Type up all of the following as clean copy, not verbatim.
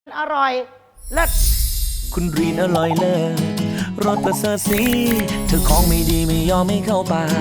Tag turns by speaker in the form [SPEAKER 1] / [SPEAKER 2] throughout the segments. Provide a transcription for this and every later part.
[SPEAKER 1] อร่อยเลิศ
[SPEAKER 2] คุณรีนอร่อยเลิศรสประเสริฐสีเธอของไม่ดีไม่ยอมไม่เข้าปาก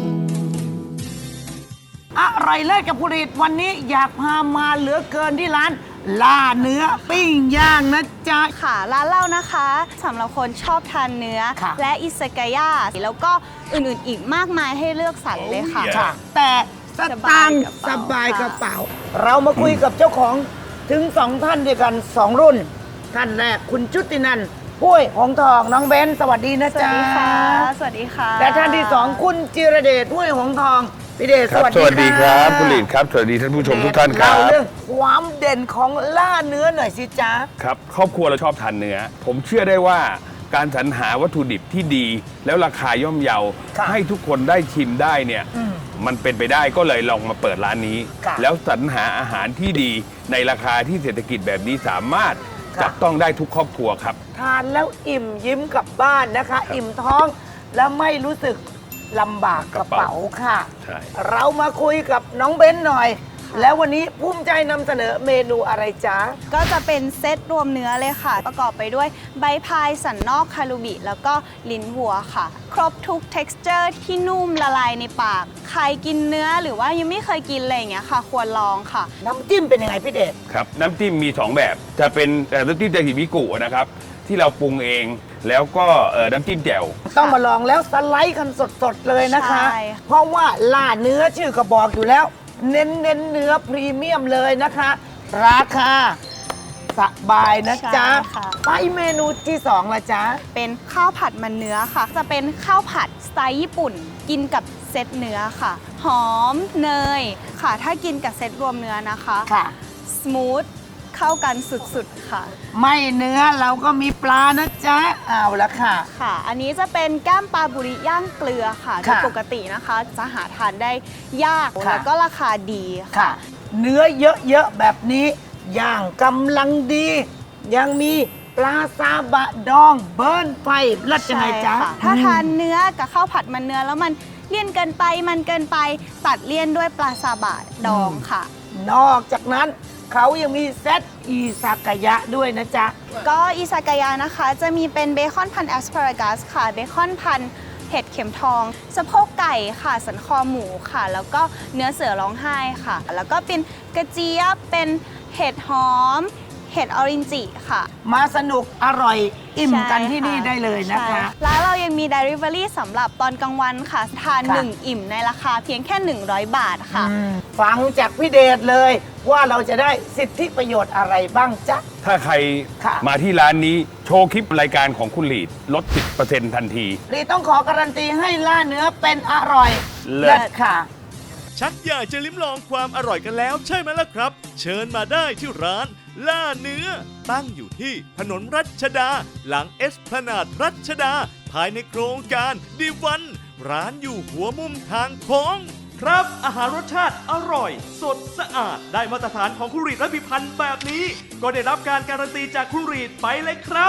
[SPEAKER 1] อร่อยเลิศกับผู้ริตวันนี้อยากพามาเหลือเกินที่ร้านล่าเนื้อปิ้งย่างนะจ๊ะ
[SPEAKER 3] ค่ะร้านเรานะคะสำหรับคนชอบทานเนื้อและอิซากายะแล้วก็อื่นๆอีกมากมายให้เลือกสรรเลยค่ะ
[SPEAKER 1] แต่สตางค์สบายกระเป๋าเรามาคุยกับเจ้าของถึง2ท่านด้วยกัน2รุ่นท่านแรกคุณชุตินันท์พุ้ยหงทองน้องเบนสวัสดีนะจ๊ะ
[SPEAKER 3] สวัสดีค่ะสวัสดีค่ะ
[SPEAKER 1] และท่านที่2คุณจิรเดชพุ้ยหงทองพี่เดชสวัสดี
[SPEAKER 4] ครับคุณลีดครับสวัสดีท่านผู้ชมทุกท่านครับ
[SPEAKER 1] เล่าเรื่องความเด่นของล่าเนื้อหน่อยสิจ๊ะ
[SPEAKER 4] ครับครอบครัวเราชอบทานเนื้อผมเชื่อได้ว่าการสรรหาวัตถุดิบที่ดีแล้วราคาย่อมเยาให้ทุกคนได้ชิมได้เนี่ยมันเป็นไปได้ก็เลยลองมาเปิดร้านนี้แล้วสรรหาอาหารที่ดีในราคาที่เศรษฐกิจแบบนี้สามารถจับต้องได้ทุกครอบครัวครับ
[SPEAKER 1] ทานแล้วอิ่มยิ้มกลับบ้านนะคะอิ่มท้องแล้วไม่รู้สึกลำบากกระเป๋าค่ะเรามาคุยกับน้องเบ้นหน่อยแล้ววันนี้ภูมิใจนำเสนอเมนูอะไรจ๊ะ
[SPEAKER 3] ก็จะเป็นเซตรวมเนื้อเลยค่ะประกอบไปด้วยใบพายสันนอกคารูบิแล้วก็ลิ้นวัวค่ะครบทุก texture ที่นุ่มละลายในปากใครกินเนื้อหรือว่ายังไม่เคยกินอะไรอย่างเงี้ยค่ะควรลองค่ะ
[SPEAKER 1] น้ำจิ้มเป็นยังไงพี่เดช
[SPEAKER 4] ครับน้ำจิ้มมี2แบบจะเป็นน้ำจิ้มเจฮิมิกุนะครับที่เราปรุงเองแล้วก็น้ำจิ้มแจ่ว
[SPEAKER 1] ต้องมาลองแล้วสไลด์กันสดๆเลยนะคะเพราะว่าล่าเนื้อชื่อก็บอกอยู่แล้วเน้นเนื้อพรีเมียมเลยนะคะราคาสบายนะจ๊ะไปเมนูที่2ละจ๊ะ
[SPEAKER 3] เป็นข้าวผัดมันเนื้อค่ะจะเป็นข้าวผัดสไตล์ญี่ปุ่นกินกับเซตเนื้อค่ะหอมเนยค่ะถ้ากินกับเซตรวมเนื้อนะคะสมูทเข้ากันสุดๆค่ะ
[SPEAKER 1] ไม่เนื้อเราก็มีปลานะจ๊ะเอาละค่ะ
[SPEAKER 3] ค่ะอันนี้จะเป็นแก้มปลาบุริย่างเกลือค่ะโดยปกตินะคะจะหาทานได้ยากแล้วก็ราคาดีค่ะ
[SPEAKER 1] เนื้อเยอะๆแบบนี้ย่างกำลังดียังมีปลาซาบะดองเบิร์นไฟรัดยังไงจ๊ะ
[SPEAKER 3] ถ้าทานเนื้อกับข้าวผัดมันเนื้อแล้วมันเลี่ยนเกินไปมันเกินไปตัดเลี่ยนด้วยปลาซาบะดองค่ะ
[SPEAKER 1] นอกจากนั้นเขายังมีเซตอิซากายะด้วยนะจ๊ะ
[SPEAKER 3] ก็อิซากายะนะคะจะมีเป็นเบคอนพันแอสพารากัสค่ะเบคอนพันเห็ดเข็มทองสะโพกไก่ค่ะสันคอหมูค่ะแล้วก็เนื้อเสือร้องไห้ค่ะแล้วก็เป็นกระเจี๊ยบเป็นเห็ดหอมเห็ดออรินจิค่ะ
[SPEAKER 1] มาสนุกอร่อยอิ่มกันที่นี่ได้เลยนะคะ
[SPEAKER 3] แล้วเรายังมี Delivery สำหรับตอนกลางวันค่ะทาน1อิ่มในราคาเพียงแค่100 บาทค่ะ
[SPEAKER 1] ฟังจากพี่เดชเลยว่าเราจะได้สิทธิประโยชน์อะไรบ้างจ๊ะ
[SPEAKER 4] ถ้าใครมาที่ร้านนี้โชว์คลิปรายการของคุณลีดลด 10% ทันที
[SPEAKER 1] ลีดต้องขอการันตีให้ล่าเนื้อเป็นอร่อยเลิศค่ะ
[SPEAKER 5] ชักอยากจะลิ้มลองความอร่อยกันแล้วใช่ไหมล่ะครับเชิญมาได้ที่ร้านล่าเนื้อตั้งอยู่ที่ถนนรัชดาหลังเอสพลานาดรัชดาภายในโครงการดีวันร้านอยู่หัวมุมทางโค้งครับอาหารรสชาติอร่อยสดสะอาดได้มาตรฐานของคุณรีดและพิพันธ์แบบนี้ก็ได้รับการการันตีจากคุณรีดไปเลยครับ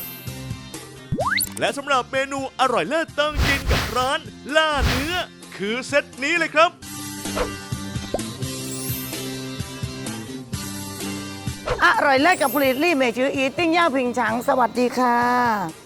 [SPEAKER 5] และสำหรับเมนูอร่อยเลิศต้องกินกับร้านล่าเนื้อคือเซตนี้เลยครับ
[SPEAKER 1] อร่อยเลิศกับผลิตลี่เมจืออีติ้งย่าผิงฉังสวัสดีค่ะ